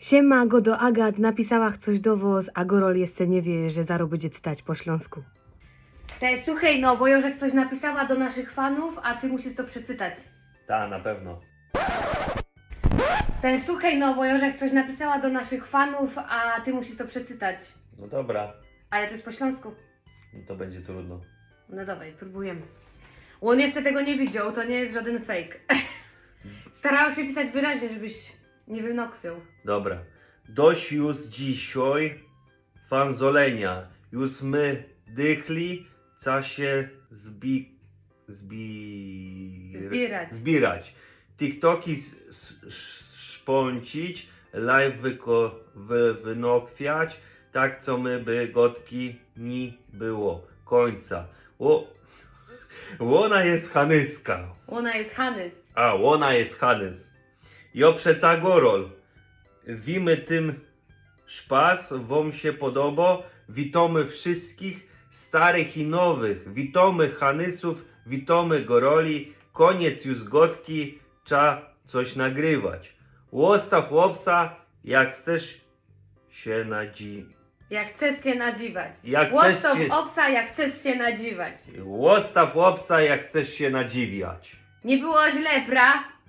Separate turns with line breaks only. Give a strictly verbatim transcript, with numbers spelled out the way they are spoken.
Siema, go do Agat, napisała coś do was, a Gorol jeszcze nie wie, że zaro będzie czytać po śląsku. Te, słuchaj, no, bo Jorzek coś napisała do naszych fanów, a ty musisz to przeczytać.
Ta, na pewno.
Te, słuchaj, no, bo Jorzek coś napisała do naszych fanów, a ty musisz to przeczytać.
No dobra,
Ale to jest po śląsku.
no to będzie trudno.
No dawaj, próbujemy. On jeszcze tego nie widział, to nie jest żaden fake. Starałam się pisać wyraźnie, żebyś nie wynokwiał.
Dobra. Dość już dzisiaj fanzolenia. Już my dychli, co się zbi... zbi...
Zbierać.
zbierać. TikToki s- s- szpącić, live wyko... wy... wynokwiać, tak co my by gotki nie było. Końca. O... Ona jest Hanyska.
Ona jest Hanys.
A, ona jest Hanys. Jo przeca Gorol. Wimy tym szpas, wam się podoba. Witamy wszystkich starych i nowych. Witamy Hanysów, witamy Goroli. Koniec już gotki, trzeba coś nagrywać. Łostaw łopsa, jak chcesz się nadzi...
Jak chcesz się nadziwać.
Jak chcesz
Łostow
się...
obsa, jak chcesz się nadziwać.
Łostaw łopsa, jak chcesz się nadziwiać.
Nie było źle, pra?